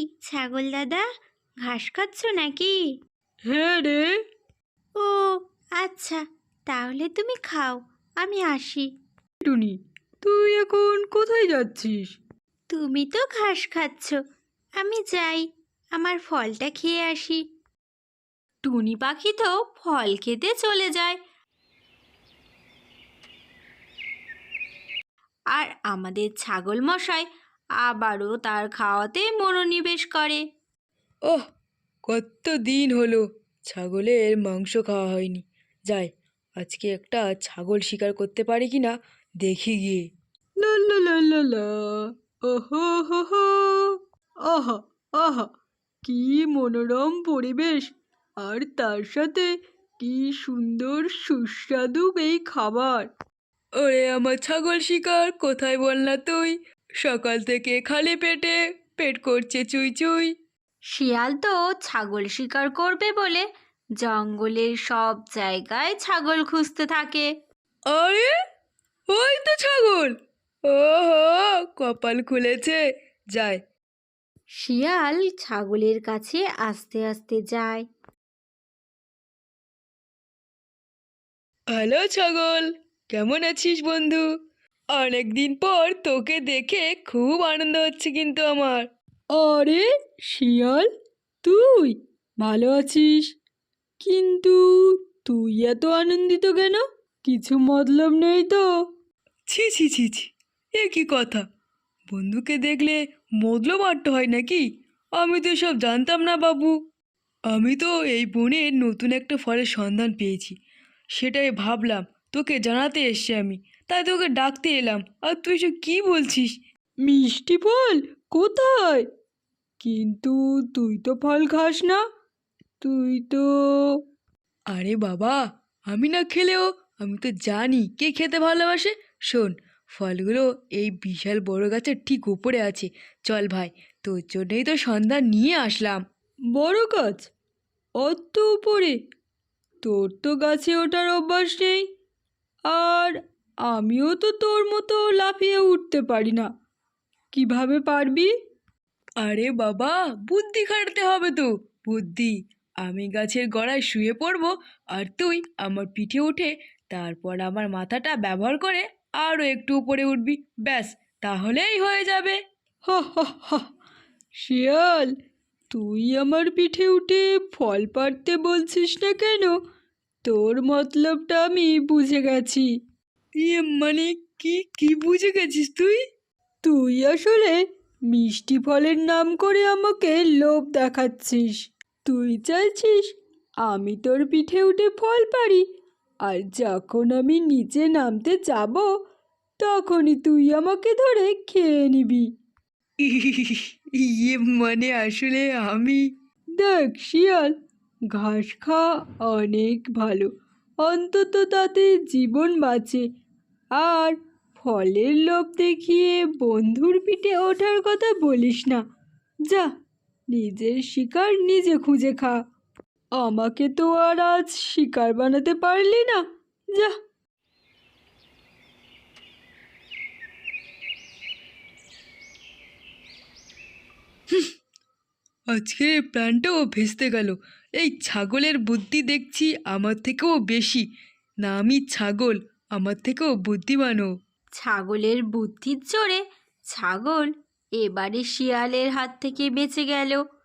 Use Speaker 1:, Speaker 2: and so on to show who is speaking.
Speaker 1: ছাগল দাদা, ঘাস খাচ্ছ নাকি?
Speaker 2: হ্যাঁ রে।
Speaker 1: ও আচ্ছা, তাহলে তুমি খাও, আমি আসি।
Speaker 2: টুনি, তুই এখন কোথায় যাচ্ছিস?
Speaker 1: তুমি তো ঘাস খাচ্ছ, আমি যাই আমার ফলটা খেয়ে আসি। টুনি পাখি তো ফল খেতে চলে যায়, আর আমাদের ছাগল মশাই আবারও তার খাওয়াতে মনোনিবেশ করে।
Speaker 2: ওহ, কত দিন হলো ছাগলের মাংস খাওয়া হয়নি। যাই, আজকে একটা ছাগল শিকার করতে পারি কি না দেখি গিয়ে। লা লা লা লা লা, ওহো হো হো, আহা আহা, কি মনোরম পরিবেশ, আর তার সাথে কি সুন্দর সুস্বাদু এই খাবার। ওরে আমার ছাগল শিকার, কোথায় বল না তুই? সকাল থেকে খালি পেটে পেট করছে চুই চুই।
Speaker 1: শিয়াল তো ছাগল শিকার করবে বলে জঙ্গলের সব জায়গায় ছাগল খুঁজতে থাকে।
Speaker 2: আরে, ওই তো ছাগল! ওহো, কপাল খুলেছে। যায়।
Speaker 1: শিয়াল ছাগলের কাছে আস্তে আস্তে যায়।
Speaker 2: হ্যালো ছাগল, কেমন আছিস বন্ধু? অনেকদিন পর তোকে দেখে খুব আনন্দ হচ্ছে কিন্তু আমার। আরে শিয়াল, তুই ভালো আছিস? কিন্তু তুই এত আনন্দিত কেন? কিছু মতলব নেই তো? ছি ছি ছি ছি, এ কি কথা! বন্ধুকে দেখলে মতলব আট্ট হয় নাকি? আমি তো সব জানতাম না বাবু। আমি তো এই বনে নতুন একটা ফলের সন্ধান পেয়েছি, সেটাই ভাবলাম তোকে জানাতে এসছি আমি, তাই তোকে ডাকতে এলাম। আর তুই সব কি বলছিস? মিষ্টি ফল? কোথায়? কিন্তু তুই তো ফল খাস না। তুই তো... আরে বাবা, আমি না খেলেও আমি তো জানি কে খেতে ভালোবাসে। শোন, ফলগুলো এই বিশাল বড় গাছের ঠিক উপরে আছে। চল ভাই, তোর জন্যই তো সন্ধান নিয়ে আসলাম। বড় গাছ? অত উপরে? তোর তো গাছে ওঠার অভ্যাস নেই, আর আমিও তো তোর মতো লাফিয়ে উঠতে পারি না। কিভাবে পারবি? আরে বাবা, বুদ্ধি খাটাতে হবে তো, বুদ্ধি। আমি গাছের গোড়ায় শুয়ে পড়ব, আর তুই আমার পিঠে উঠে তারপর আমার মাথাটা ব্যবহার করে আরও একটু উপরে উঠবি। ব্যাস, তাহলেই হয়ে যাবে। হা হা হা, শিয়াল, তুই আমার পিঠে উঠে ফল পাড়তে বলছিস না কেন? তোর মতলবটা আমি বুঝে গেছি। ইয়ে মানে, কি কি বুঝে গেছিস তুই? তুই আসলে মিষ্টি ফলের নাম করে আমাকে লোভ দেখাচ্ছিস। তুই চাইছিস আমি তোর পিঠে উঠে ফল পারি, আর যখন আমি নিচে নামতে যাব তখনই তুই আমাকে ধরে খেয়ে নিবি। ইয়ে মানে আসলে আমি... দেখ শিয়াল, ঘাস খাওয়া অনেক ভালো, অন্তত তাতে জীবন বাঁচে। আর ফলের লোভ দেখিয়ে বন্ধুর পিঠে ওঠার কথা বলিস না। যা, নিজের শিকার নিজে খুঁজে খা। আমাকে তো আর আজ শিকার বানাতে পারলি না। যা। আজকের প্ল্যানটাও ভেস্তে গেল। এই ছাগলের বুদ্ধি দেখছি আমার থেকেও বেশি। না, আমি ছাগল, আমার থেকেও বুদ্ধিমানও।
Speaker 1: ছাগলের বুদ্ধির জোরে ছাগল এবারে শিয়ালের হাত থেকে বেঁচে গেল।